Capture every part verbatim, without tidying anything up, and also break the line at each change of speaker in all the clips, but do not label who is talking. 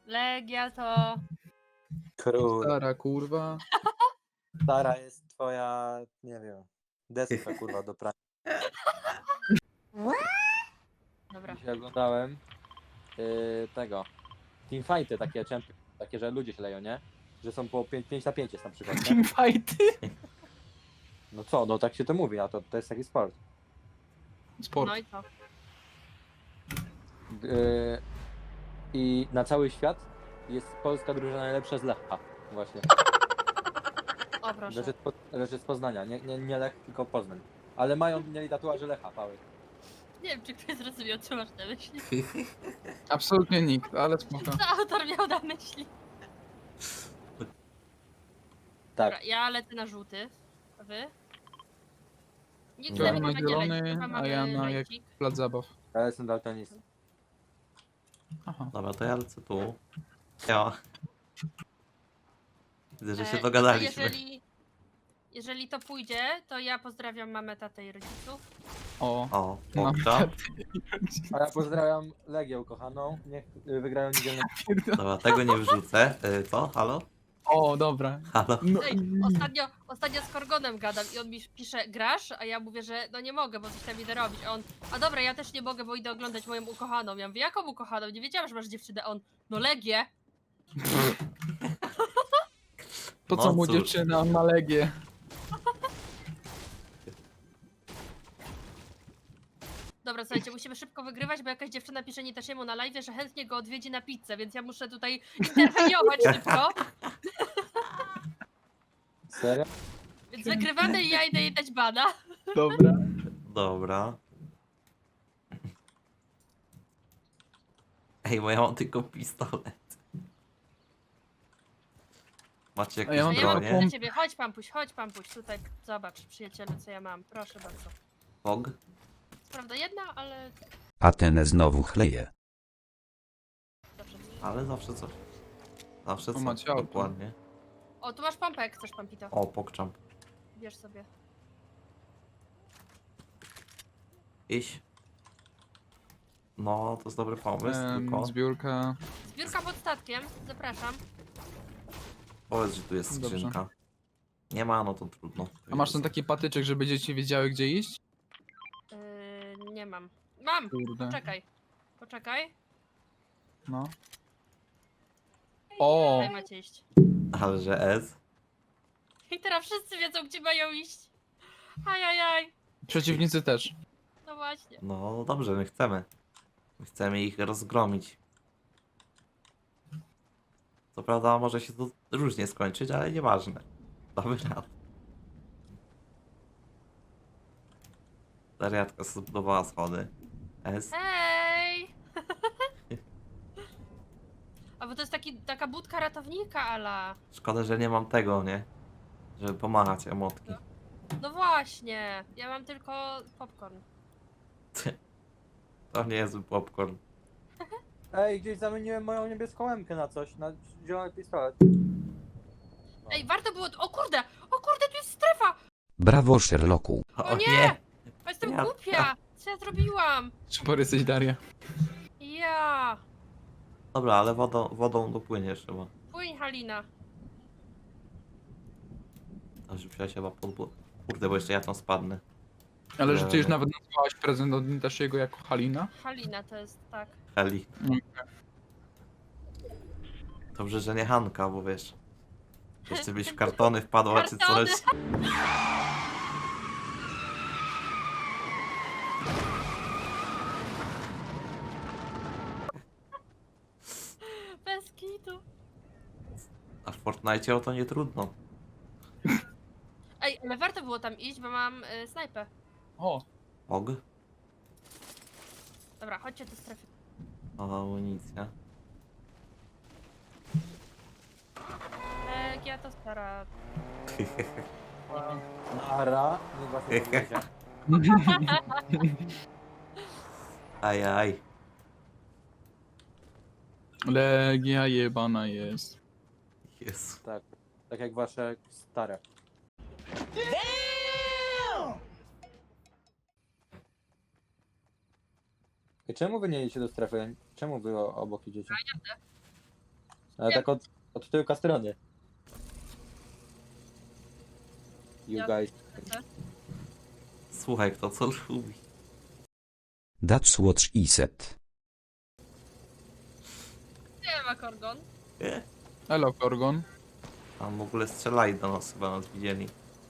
Legia to...
Król.
Stara kurwa.
Stara jest twoja, nie wiem, deska kurwa do prania.
Dobra.
Dzisiaj oglądałem yy, tego, teamfighty takie, champion, takie, że ludzie się leją, nie? Że są po pięć na pięć jest na przykład, nie?
Teamfighty.
No co, no tak się to mówi, a to, to jest taki sport.
Sport.
No i co?
Yy, I na cały świat jest polska drużyna najlepsza z Lecha, właśnie.
O proszę.
Leży, leży z Poznania, nie, nie, nie Lech, tylko Poznań. Ale mają, mieli tatuaże Lecha, pały.
Nie wiem, czy ktoś zrozumiał, co masz na myśli.
Absolutnie nikt, ale spoko.
Co autor miał na myśli?
Tak.
Dobra, ja lecę na żółty. A wy? Nikt
Ja
z nami
na
nie będzie
zielony,
lecieć, chyba
a
mamy
ja na jak-
lejcik.
Plac zabaw.
Ja jestem daltonistą.
Aha.
Dobra, to ja lecę tu. Ja. Widzę, że się
E,
dogadaliśmy.
Jeżeli, jeżeli to pójdzie, to ja pozdrawiam mamę, tatę i rodziców.
O.
O,
No.
okra.
A ja pozdrawiam Legię ukochaną, niech y, wygrają niedzielne.
Dobra, tego nie wrzucę. Y, co? Halo?
O, dobra.
Halo?
No,
Ej, ostatnio, ostatnio z Korgonem gadam i on mi pisze, grasz? A ja mówię, że no nie mogę, bo coś tam idę robić. A on, a dobra, ja też nie mogę, bo idę oglądać moją ukochaną. Ja mówię, jaką ukochaną? Nie wiedziałam, że masz dziewczynę. A on, no Legię.
po co
No
mu
cóż.
dziewczyna, on ma legię.
Dobra, słuchajcie, musimy szybko wygrywać, bo jakaś dziewczyna pisze Nitasiemu na live, że chętnie go odwiedzi na pizzę, więc ja muszę tutaj interweniować szybko.
Serio?
Więc wygrywamy i ja idę jej dać bana.
Dobra.
Dobra. Ej, bo ja mam tylko pistolet. Macie
A
jakieś
ja
A
mam
ja mam
tylko
bronie?
dla ciebie, chodź Pampuś, chodź Pampuś, tutaj zobacz przyjacielu, co ja mam, proszę bardzo.
Pog?
Co prawda jedna, ale
Atenę znowu chleje.
zawsze coś.
Ale zawsze coś. Zawsze
O,
coś.
macie auto.
Dokładnie.
O, tu masz pompę, chcesz Pampito,
O, pokczamp.
bierz sobie.
Iść. No, to jest dobry pomysł, tylko
Em, zbiórka.
Zbiórka pod statkiem, zapraszam.
powiedz, że tu jest
Dobrze.
skrzynka. Nie ma, no to trudno.
A masz ten taki patyczek, żeby dzieci wiedziały, gdzie iść?
Yy, nie mam. Mam!
Kurde.
Poczekaj. Poczekaj.
No. O!
Tutaj macie iść.
Ale że S?
I teraz wszyscy wiedzą, gdzie mają iść. Ajajaj.
Przeciwnicy też.
No właśnie.
No dobrze, my chcemy. My chcemy ich rozgromić. Co prawda może się to różnie skończyć, ale nieważne. Damy radę. Zariadka sobie zbudowała schody. S.
Hej! A bo to jest taki, taka budka ratownika, ala.
Szkoda, że nie mam tego, nie? Żeby pomachać emotki.
No właśnie. Ja mam tylko popcorn.
To nie jest popcorn.
Ej, gdzieś zamieniłem moją niebieską łemkę na coś, na zielony pistolet. No.
Ej, warto było... O kurde! O kurde, tu jest strefa!
Brawo Sherlocku.
O nie! A jestem
Ja-
głupia! Co ja zrobiłam?
Super jesteś, Daria.
Ja!
Dobra, ale wodą, wodą dopłyniesz chyba.
Płyń, Halina.
A rzuciła się chyba pod błot. Kurde, bo jeszcze ja tam spadnę.
Ale że ty już
Dobra.
nawet nazwałaś prezent od Nitashiego jako Halina?
Halina to jest, tak.
Heli.
Mm.
Dobrze, że nie Hanka, bo wiesz. Jeszcze byś w kartony wpadła czy
Kartony.
coś.
Bez kitu.
A w Fortnite o to nie trudno.
Ej, ale warto było tam iść, bo mam y, snajpę.
O!
Og?
Dobra, chodźcie do strefy.
Nowa amunicja.
Legia to stara.
Nara, niech was nie powiedzie.
Aj, aj.
Legia jebana jest.
Jezu.
Tak, tak jak wasze stare. I czemu wy nie idziecie do strefy? Czemu wy o- obok idziecie? Ale
Nie.
tak od, od tyłka strony. You
Ja-
guys.
Słuchaj, kto co lubi.
That's what she said.
Nie ma Korgon.
Nie?
Elo, Korgon.
Tam w ogóle strzelali do nas, chyba nas widzieli.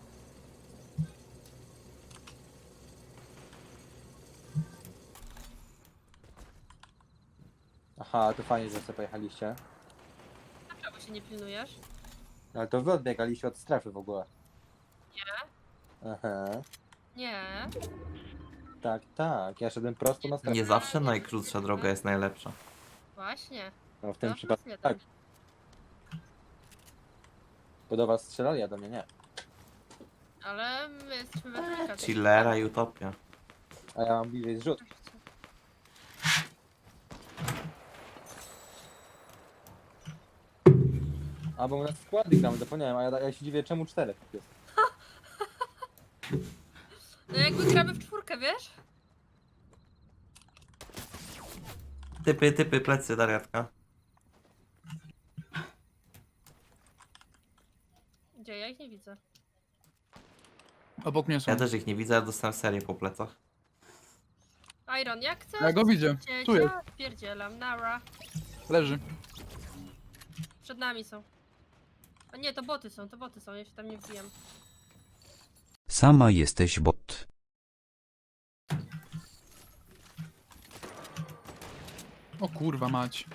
Aha, to fajnie, że sobie pojechaliście.
Dlaczego się nie pilnujesz?
Ale to wy odbiegaliście od strefy w ogóle.
Nie.
Aha.
Nie.
Tak, tak. Ja szedłem prosto na strefę.
Nie zawsze najkrótsza droga jest najlepsza.
Właśnie.
No w tym
No,
przypadku
plus
tak.
jeden.
Bo do was strzelali, a do mnie nie.
Ale my jesteśmy we trójkę.
Chillera i Utopia.
A ja mam bliżej zrzut. A bo u nas składy gramy, zapomniałem, a ja, ja się dziwię czemu czterech jest.
No jakby gramy w czwórkę, wiesz?
Typy, typy, plecy, Dariatka.
Gdzie? Ja ich nie widzę.
Obok mnie są.
Ja też ich nie widzę, ale dostałem serię po plecach.
Iron, jak chcesz?
Ja go widzę.
Cię,
Tu jest.
cię, Pierdzielam, nara.
Leży.
Przed nami są. A nie, to boty są, to boty są, ja się tam nie wbijam.
Sama jesteś bot.
O kurwa mać.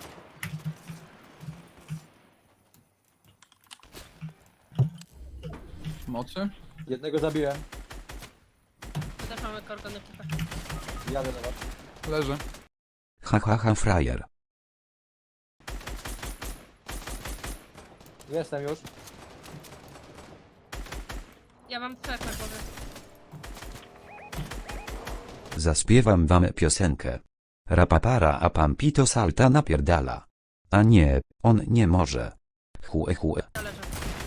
Mocy?
Jednego zabiłem,
Też mamy Korgon ekipę.
jadę do was.
Leży.
Ha ha ha frajer.
Jestem już.
Ja mam trzech na głowie.
Zaśpiewam wam piosenkę. Rapapara a pampito salta napierdala. A nie, on nie może. Chue chue.
Zależy.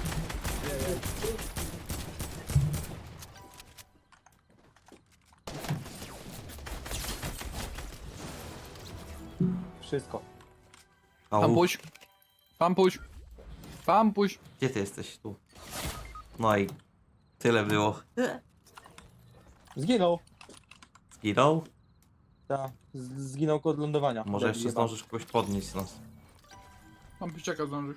Wszystko.
Au,
Pampuś. Pampuś. Pampuś.
gdzie ty jesteś? Tu. No i tyle było.
Zginął.
Zginął?
Tak, z- zginął kod lądowania.
Może
Debil
jeszcze
jebany.
zdążysz kogoś podnieść z nas.
Pampuściaka zdąży.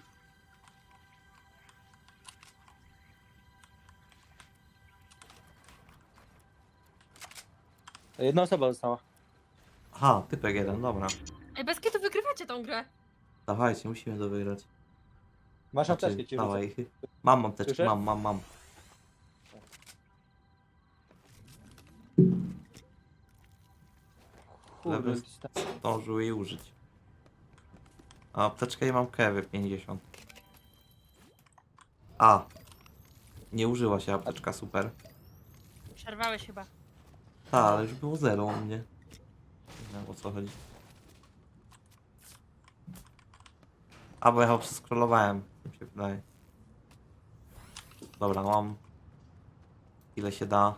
Jedna osoba została.
Aha, typek jeden, dobra.
Ej, bez kitu wygrywacie tą grę.
Dawajcie, musimy to wygrać.
Masz
Znaczy,
apteczkę ci rzucę.
dawaj. Mam apteczkę,
Słyszę?
mam, mam, mam.
Kurde,
Lewy zdążył jej użyć. A apteczkę i mam kewy pięćdziesiąt. A. Nie użyła się apteczka, super.
Przerwałeś chyba.
Ta, ale już było zero u mnie. Nie wiem o co chodzi. A, bo ja chyba przeskrolowałem, mi się wydaje. Dobra, mam. Ile się da.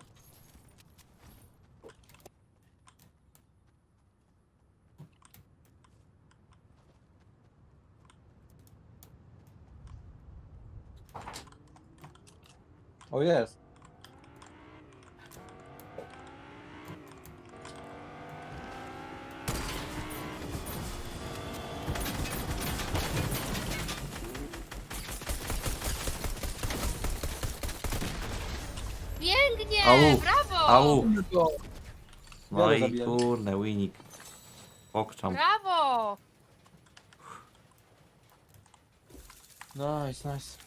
O jest.
Pięknie!
Au,
Brawo!
Au! No
Ja
i
zabiłem.
kurne, winik. Pokczam.
Brawo!
Nice, nice.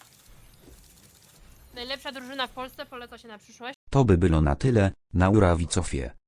Najlepsza drużyna w Polsce, poleca się na przyszłość.
To by było na tyle, na urawicofie.